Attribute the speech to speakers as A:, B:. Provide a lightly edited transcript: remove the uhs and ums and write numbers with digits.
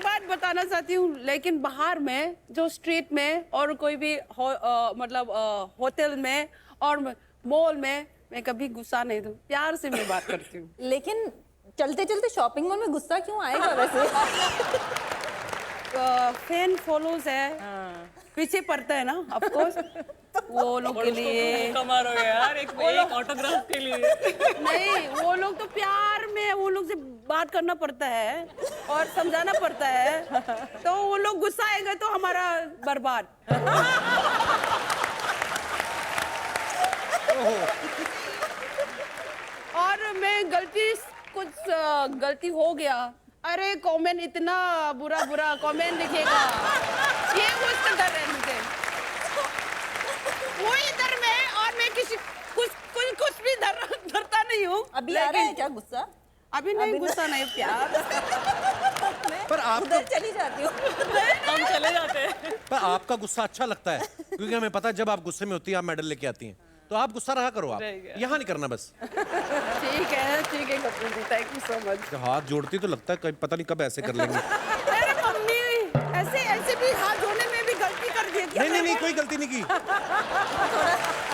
A: एक बात बताना चाहती हूँ, लेकिन बाहर में जो स्ट्रीट में और कोई भी मतलब होटल में और मॉल में मैं कभी गुस्सा नहीं दूँ, प्यार से मैं बात करती हूँ।
B: लेकिन चलते चलते शॉपिंग मॉल में गुस्सा क्यों आएगा वैसे?
A: फैन फॉलोज है, पीछे पड़ता है ना, ऑफ कोर्स वो लोग के लिए।
C: कमाल हो गया यार, एक ऑटोग्राफ के लिए।
A: नहीं, वो लोग तो प्यार में वो लोग से बात करना पड़ता है और समझाना पड़ता है, तो वो लोग गुस्सा आएंगे तो हमारा बर्बाद। और मैं कुछ गलती हो गया, अरे कमेंट इतना बुरा बुरा कमेंट लिखेगा, ये उसका डर है मुझे, वो इधर में और मैं किसी कुछ भी डरता नहीं हूँ।
B: अभी आ रहा है क्या गुस्सा?
A: अभी नहीं, गुस्सा नहीं, प्यार।
D: पर आप
B: उधर चली जाती हूँ।
C: हम चले जाते हैं।
D: पर आपका गुस्सा अच्छा लगता है, क्योंकि हमें पता है जब आप गुस्से में होती हैं आप मेडल लेके आती हैं, तो आप गुस्सा रहा करो, आप यहाँ नहीं करना बस।
A: ठीक है Kapil ji, thank you so much.
D: जब हाथ जोड़ती तो लगता है पता नहीं कब ऐसे कर लेंगे।
A: अरे मम्मी, ऐसे भी हाथ जोड़ने में भी गलती कर दी।
D: नहीं, कोई गलती नहीं की।